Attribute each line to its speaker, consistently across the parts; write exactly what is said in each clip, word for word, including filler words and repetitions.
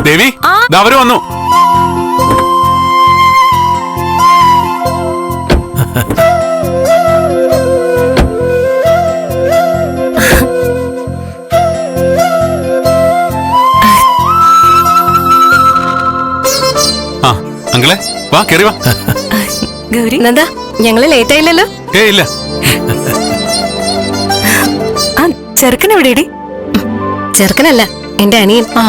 Speaker 1: ദേവി, അവര് വന്നു. ആ അങ്കിളെ, വാ കേറി വാ.
Speaker 2: ഗൗരി, എന്താ ഞങ്ങള് ലേറ്റ് ആയില്ലല്ലോ?
Speaker 1: ഏ ഇല്ല.
Speaker 2: ആ ചെറുക്കൻ എവിടെയടി? ചെറുക്കനല്ല, എന്റെ അനിയൻ. ആ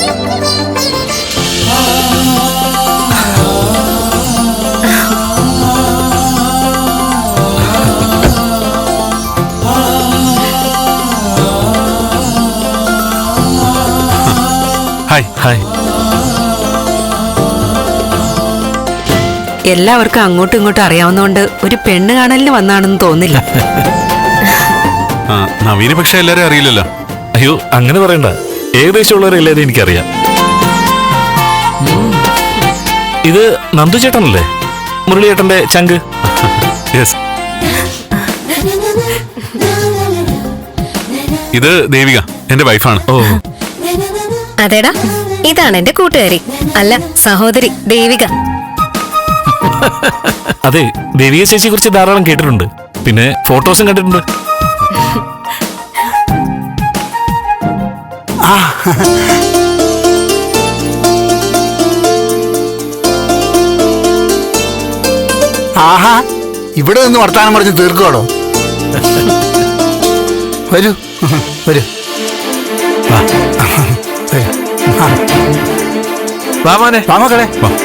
Speaker 1: ഹായ് ഹായ്.
Speaker 2: എല്ലാവർക്കും അങ്ങോട്ടും ഇങ്ങോട്ടും അറിയാവുന്നതുകൊണ്ട് ഒരു പെണ്ണ് കാണലിന് വന്നാണെന്ന് തോന്നില്ല.
Speaker 1: നവീന് പക്ഷെ എല്ലാരും അറിയില്ലല്ലോ.
Speaker 3: അയ്യോ അങ്ങനെ പറയണ്ട, ഏകദേശം ഉള്ളവരെല്ലാരും എനിക്കറിയാം. ഇത് നന്ദു ചേട്ടനല്ലേ, മുരളിയേട്ടന്റെ ചങ്ക്?
Speaker 1: യെസ്. ഇത് ദേവിക, എന്റെ വൈഫാണ്.
Speaker 3: ഓ
Speaker 2: അതേടാ, ഇതാണ് എന്റെ കൂട്ടുകാരി, അല്ല സഹോദരി ദേവിക.
Speaker 3: അതെ, ദേവിക ചേച്ചിയെ കുറിച്ച് ധാരാളം കേട്ടിട്ടുണ്ട്, പിന്നെ ഫോട്ടോസും കണ്ടിട്ടുണ്ട്.
Speaker 4: ആഹാ, ഇവിടെ നിന്ന് വർത്താനം പറഞ്ഞ് തീർക്കോടോ. വരൂ വരൂ.
Speaker 3: വാമാനെ
Speaker 4: വാമക്കളെ.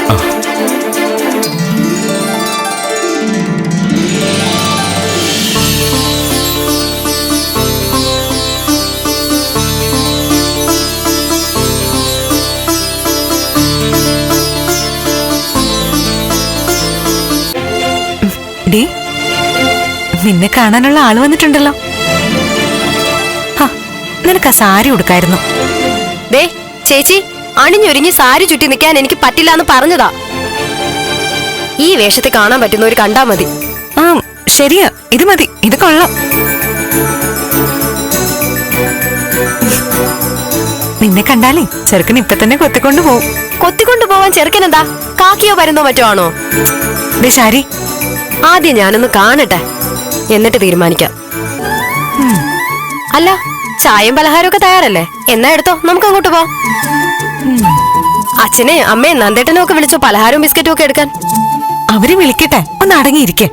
Speaker 2: ഡി, നിന്നെ കാണാനുള്ള ആള് വന്നിട്ടുണ്ടല്ലോ. നിനക്ക് ആ സാരി ഉടുക്കായിരുന്നു.
Speaker 5: ദേ ചേച്ചി, അണിഞ്ഞൊരുങ്ങി സാരി ചുറ്റി നിൽക്കാൻ എനിക്ക് പറ്റില്ല എന്ന് പറഞ്ഞതാ. ഈ വേഷത്തെ കാണാൻ പറ്റുന്നവർ കണ്ടാ മതി.
Speaker 2: ആ ശരിയാ, ഇത് മതി, ഇത് കൊള്ളാം. നിന്നെ കണ്ടാലേ ചെറുക്കൻ ഇപ്പൊ തന്നെ കൊത്തിക്കൊണ്ടു പോവും.
Speaker 5: കൊത്തിക്കൊണ്ടു പോവാൻ ചെറുക്കൻ എന്താ കാക്കിയോ പരുന്നോ മറ്റോ ആണോ?
Speaker 2: ദേ ശാരി,
Speaker 5: ആദ്യം ഞാനൊന്ന് കാണട്ടെ, എന്നിട്ട് തീരുമാനിക്കാം. അല്ല, ചായയും പലഹാരവും ഒക്കെ തയ്യാറല്ലേ? എന്നാ എടുത്തോ, നമുക്ക് അങ്ങോട്ട് പോവാം. അച്ഛനെ അമ്മയും നന്ദേട്ടനും ഒക്കെ വിളിച്ചോ പലഹാരവും ബിസ്ക്കറ്റും ഒക്കെ എടുക്കാൻ.
Speaker 2: അവര് വിളിക്കട്ടെ, ഒന്ന് അടങ്ങിയിരിക്കേ.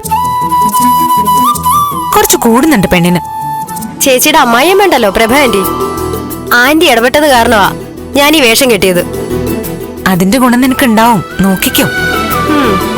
Speaker 2: കുറച്ച് കൂടുന്നുണ്ട് പെണ്ണിന്.
Speaker 5: ചേച്ചിയുടെ അമ്മായിയും വേണ്ടല്ലോ പ്രഭ ആന്റി. ആന്റി ഇടപെട്ടത് കാരണമാ ഞാൻ ഈ വേഷം കെട്ടിയത്.
Speaker 2: അതിന്റെ ഗുണം നിനക്ക് ഉണ്ടാവും, നോക്കിക്കോ.
Speaker 5: ഉം